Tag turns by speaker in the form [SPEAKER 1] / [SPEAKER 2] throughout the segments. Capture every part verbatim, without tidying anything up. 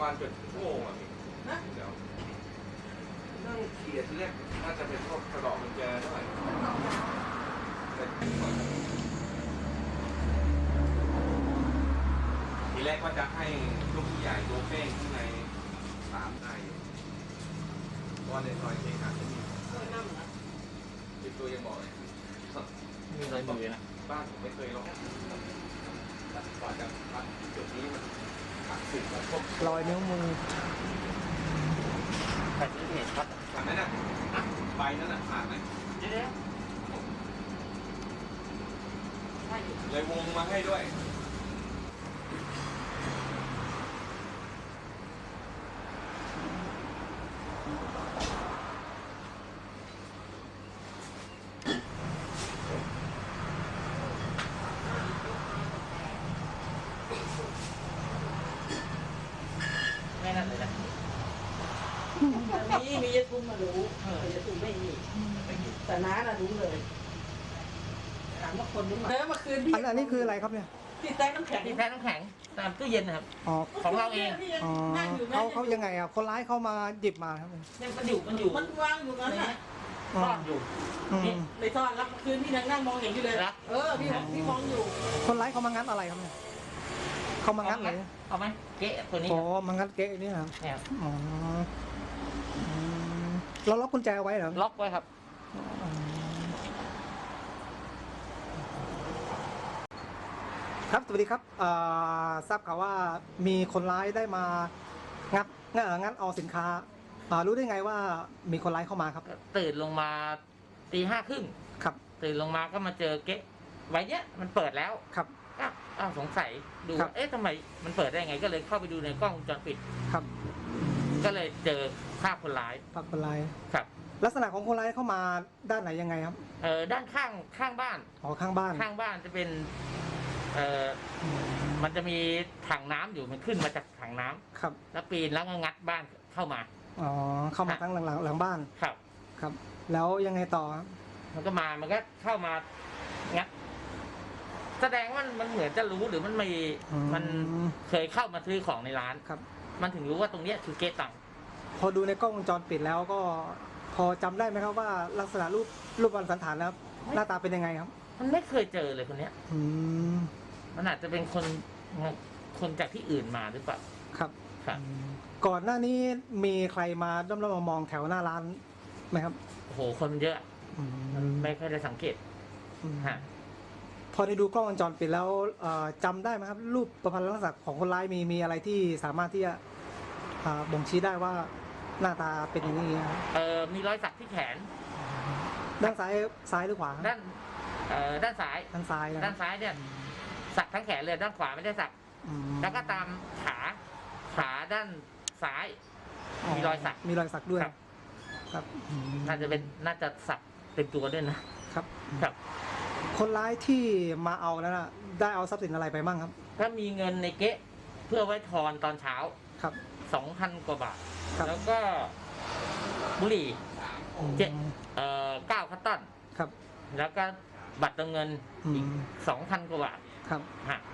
[SPEAKER 1] มาณเกือบชั่วโมงอ่ะพี่นะเดี๋ยวนั่งเขียนที่แรกน่าจะเป็นพวกกระดอกกุญแจเท่าไหร่ทีแรกก็จะให้ลูกใหญ่ตัวเป้งข้างในสามได้เพราะในซอยเคหะจะมีติดตัวยังบอกเลย
[SPEAKER 2] มีรอยมือนะ
[SPEAKER 1] บ้านผมไม่เคยลองก่อนจะมาจุดนี้มันหักสิบกับพวก
[SPEAKER 3] รอยนิ้วมือ
[SPEAKER 2] ใครซื้อเพจครับ
[SPEAKER 1] ผ่านไหมนะใบนั่นน่ะผ่านไหม
[SPEAKER 2] เดี๋ยว
[SPEAKER 1] เลยวงมาให้ด้วย
[SPEAKER 2] ไม่นั่นเลยนะ
[SPEAKER 4] มีมียาทุ่มมารู้แต่ยาทุ่มไม่มีแต่น้าน่ะรู้เลยถามว่าคนรู้มาแล้วมาคืนพี่
[SPEAKER 3] อันนี้คืออะไรครับเนี่ย
[SPEAKER 4] ที่แท้น้ำแข็ง
[SPEAKER 2] ที่แท้น้ำแข็งตามตู้เย็นนะครับ
[SPEAKER 3] อ๋อ
[SPEAKER 2] ของเราเอง
[SPEAKER 3] อ๋อเขาเขายังไงอ่ะคนร้ายเข้ามาหยิบมาครับ
[SPEAKER 2] เนี่ยมันอยู่มันอยู่
[SPEAKER 4] มันวางอยู่นั้นน่ะ
[SPEAKER 2] ซ่อนอยู่
[SPEAKER 4] นี่ในซ่อนรับคืนพี่นั่งนั่งมองเห็นอยู่เลยเออพี่พี่มองอยู่
[SPEAKER 3] คนร้ายเขามางัดอะไรครับเนี่ยเขามางัดอะไร
[SPEAKER 2] เอาไหมเก๊ะตัวนี้
[SPEAKER 3] อ๋อมางัดเก๊ะนี่ครับ
[SPEAKER 2] เนี่ย
[SPEAKER 3] อ๋อเราล็อกกุญแจไว้เหรอ
[SPEAKER 2] ล็อกไว้ครับ
[SPEAKER 3] ครับสวัสดีครับทราบข่าวว่ามีคนร้ายได้มางัดงัดเอาสินค้ารู้ได้ไงว่ามีคนร้ายเข้ามาครับ
[SPEAKER 2] ตื่นลงมาตีห้าครึ่ง
[SPEAKER 3] ครับ
[SPEAKER 2] ตื่นลงมาก็มาเจอเก๊ะไว้เนี้ยมันเปิดแล้ว
[SPEAKER 3] ครับ
[SPEAKER 2] อ้าวสงสัยดูเอ๊ะทำไมมันเปิดได้ไงก็เลยเข้าไปดูในกล้องวงจรปิด
[SPEAKER 3] ครับ
[SPEAKER 2] ก็เลยเจอภาพคนร้าย
[SPEAKER 3] ภาพคนร้าย
[SPEAKER 2] ครับ
[SPEAKER 3] ลักษณะของคนร้ายเข้ามาด้านไหนยังไงครับ
[SPEAKER 2] เออด้านข้างข้างบ้าน
[SPEAKER 3] อ๋อข้างบ้าน
[SPEAKER 2] ข้างบ้านจะเป็นเออมันจะมีถังน้ำอยู่มันขึ้นมาจากถังน้ำ
[SPEAKER 3] ครับ
[SPEAKER 2] แล้วปีนแล้วก็งัดบ้านเข้ามา
[SPEAKER 3] อ๋อเข้ามาทั้งหลังหลังหลังบ้าน
[SPEAKER 2] ครับ
[SPEAKER 3] ครับแล้วยังไงต่อ
[SPEAKER 2] มันก็มามันก็เข้ามางัดแสดงว่ามันเหมือนจะรู้หรือมันไม่มันเคยเข้ามาซื้อของในร้าน
[SPEAKER 3] ครับ
[SPEAKER 2] มันถึงรู้ว่าตรงนี้คือเก๊ะตัง
[SPEAKER 3] พอดูในกล้องวงจรปิดแล้วก็พอจำได้ไหมครับว่าลักษณะรูปรูปวันสันฐานแล้วหน้าตาเป็นยังไงครับ
[SPEAKER 2] มันไม่เคยเจอเลยคนเนี้ย
[SPEAKER 3] อืม
[SPEAKER 2] มันอาจจะเป็นคนคนจากที่อื่นมาหรือเปล่า
[SPEAKER 3] ครับ
[SPEAKER 2] ครับ
[SPEAKER 3] ก่อนหน้านี้มีใครมาด้อมๆมองแถวหน้าร้านไหมครับ
[SPEAKER 2] โอ้โหคนเยอะมันไม่ค่อยได้สังเกตฮะ
[SPEAKER 3] พอได้ดูกล้องวงจรปิดแล้วจำได้ไหมครับรูปประพันธ์ลักษณะของคนร้ายมีมีอะไรที่สามารถที่จะบ่งชี้ได้ว่าหน้าตาเป็นอย่างนี้ครับ
[SPEAKER 2] เออมีรอยสักที่แขน
[SPEAKER 3] ด้านซ้ายซ้ายหรือขวา
[SPEAKER 2] ด้านเอ่อด้านซ้าย
[SPEAKER 3] ด้านซ้าย
[SPEAKER 2] ด้านซ้ายเนี่ยสักทั้งแขนเลยด้านขวาไม่ได้สักแล้วก็ตามขาขาด้านซ้ายมีรอยสัก
[SPEAKER 3] มีรอยสักด้วยครับ
[SPEAKER 2] น่าจะเป็นน่าจะสักเต็มตัวด้วยนะครับครับ
[SPEAKER 3] คนร้ายที่มาเอาแล้วนะได้เอาทรัพย์สินอะไรไปบ้างครับ
[SPEAKER 2] ถ้ามีเงินในเก๊ะเพื่อไว้ทอนตอนเช้า
[SPEAKER 3] ครับ
[SPEAKER 2] สองพันกว่าบาทแล้วก็บุหรี่เจ็ดเอ่อเก้าคัตตัน
[SPEAKER 3] ครับ
[SPEAKER 2] แล้วก็บัตรเติมเงินอีกสองพันกว่าบาท
[SPEAKER 3] ครับ
[SPEAKER 2] ฮะ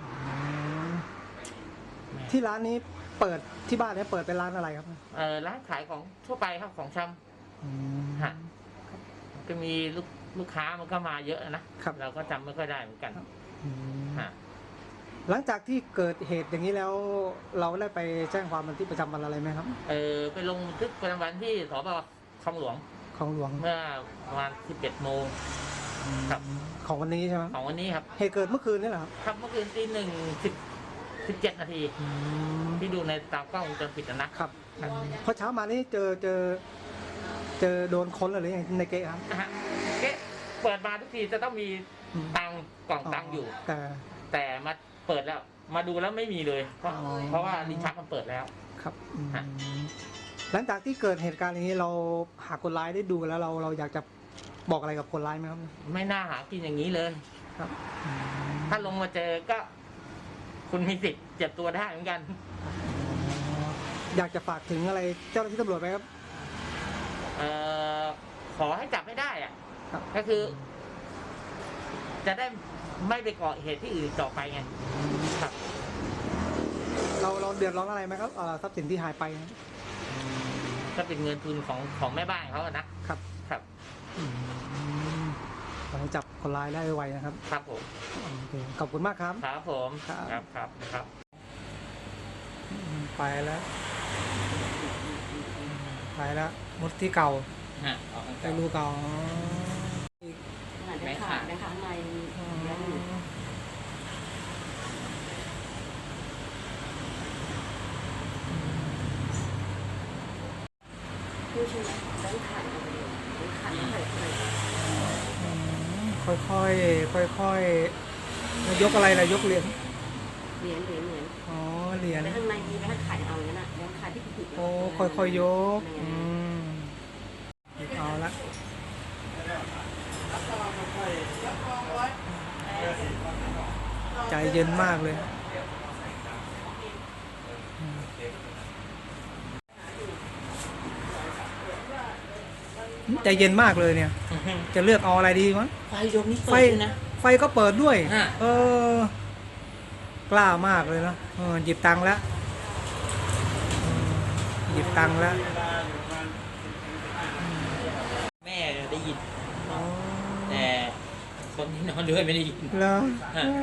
[SPEAKER 3] ที่ร้านนี้เปิดที่บ้านนี้เปิดเป็นร้านอะไรครับ
[SPEAKER 2] เออร้านขายของทั่วไปครับของชำฮะก็มีลูกลูกค้ามันก็มาเยอะนะครับเราก็จำไม่ค่อยได้เหมือนกันฮะ
[SPEAKER 3] หลังจากที่เกิดเหตุอย่างนี้แล้วเราได้ไปแจ้งความบันทึกประจำวันอะไรไหมครับ
[SPEAKER 2] เออไปลงบันทึกประจำวันที่สพ.คลองหลวง
[SPEAKER 3] คลองหลวง
[SPEAKER 2] เมื่อประมาณสิบเอ็ดโมงครับ
[SPEAKER 3] ของวันนี้ใช่ไหม
[SPEAKER 2] ของวันนี้ครับ
[SPEAKER 3] เหตุเกิดเมื่อคืนนี่เหรอครับ
[SPEAKER 2] ครับเมื่อคืนตีหนึ่งสิบสิบเจ็ดนาทีที่ดูในตามกล้องวงจรปิดนะครับ
[SPEAKER 3] พอเช้ามานี่เจอเจอเจอโดนค้นหรือยังในเก๊ะครับ
[SPEAKER 2] เก๊ะเปิดมาทุกทีจะต้องมีตังกล่องตังอยู่
[SPEAKER 3] แต่
[SPEAKER 2] แต่มาเปิดแล้วมาดูแล้วไม่มีเลยเพราะเพราะว่าลิ้นชักมันเปิดแล้ว
[SPEAKER 3] ครับหลังจากที่เกิดเหตุการณ์อย่างนี้เราหาคนร้ายได้ดูแล้วเราเราอยากจะบอกอะไรกับคนร้ายไหมครับ
[SPEAKER 2] ไม่น่าหากินอย่างนี้เลย
[SPEAKER 3] ครับ
[SPEAKER 2] ถ้าลงมาเจอก็คุณมีสิทธิ์เจ็บตัวได้เหมือนกัน
[SPEAKER 3] อยากจะฝากถึงอะไรเจ้าหน้าที่ตำรวจไหมครับ
[SPEAKER 2] เอ่อขอให้จับไม่ได้อ่ะก็คือจะได้ไม่ไปก่อเหตุที่อื่นต่อไปไงครับ
[SPEAKER 3] เราเราเดือดร้อนอะไรไหมครับเอ่อทรัพย์สินที่หายไปครับ
[SPEAKER 2] ก็เป็นเงินทุนของของแม่บ้านเขาอะนะครับ ครับ
[SPEAKER 3] อืมขอให้จับคนร้ายได้ไวๆนะครับ
[SPEAKER 2] ครับผม
[SPEAKER 3] โอเคขอบคุณมากครับ
[SPEAKER 2] ครับผม
[SPEAKER 3] ครับ
[SPEAKER 2] ครับครับครับ
[SPEAKER 3] อืมไปแล้วอืมไปแล้วมุดที่เก่า
[SPEAKER 2] ฮะออก
[SPEAKER 3] ไปรูเก่า
[SPEAKER 4] ได้ขาดได้ขาดในยังอยู่ผู้ชนะได้ขาดเลยได้ขาดไม่เคยเคย
[SPEAKER 3] อืมค่อยๆค่อยๆแล้วยกอะไรล่ะยกเหรียญ
[SPEAKER 4] เหรียญเหรียญเหรียญ
[SPEAKER 3] อ๋อเหรียญ
[SPEAKER 4] แต่ข้างในมีแบงค์ขายเอาอย่างนั้นอ่ะแบงค์ขายที่ผิด
[SPEAKER 3] โอ้ค่อยๆยกอืมเอาละใจเย็นมากเลยอืมใจเย็นมากเลยเนี่ย จะเลือกเอาอะไรดีวะ
[SPEAKER 2] ไฟดวงนี้
[SPEAKER 3] ไฟ
[SPEAKER 2] เปิดด้วยนะ
[SPEAKER 3] ไฟก็เปิดด้วย
[SPEAKER 2] ฮะ
[SPEAKER 3] เออ กล้ามากเลยเนอะเออหยิบตังค์แล้วอืมหยิบตังค์แล้ว
[SPEAKER 2] แม่ได้ยิน
[SPEAKER 3] อ๋อ
[SPEAKER 2] แต่คนที่นอนด้วยไม่ได้ยิน
[SPEAKER 3] แล้ว
[SPEAKER 2] ฮะ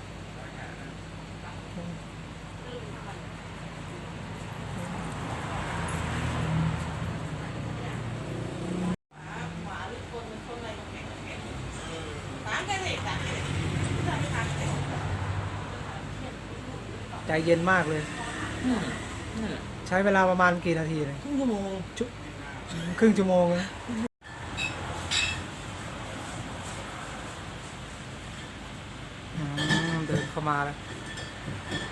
[SPEAKER 3] ใจเย็นมากเลย
[SPEAKER 2] อืมนั่นแหละ
[SPEAKER 3] ใช้เวลาประมาณกี่นาทีเลย
[SPEAKER 2] ครึ่งชั่วโมง
[SPEAKER 3] ชุครึ่งชั่วโมงนะอืมเดินเข้ามาแล้ว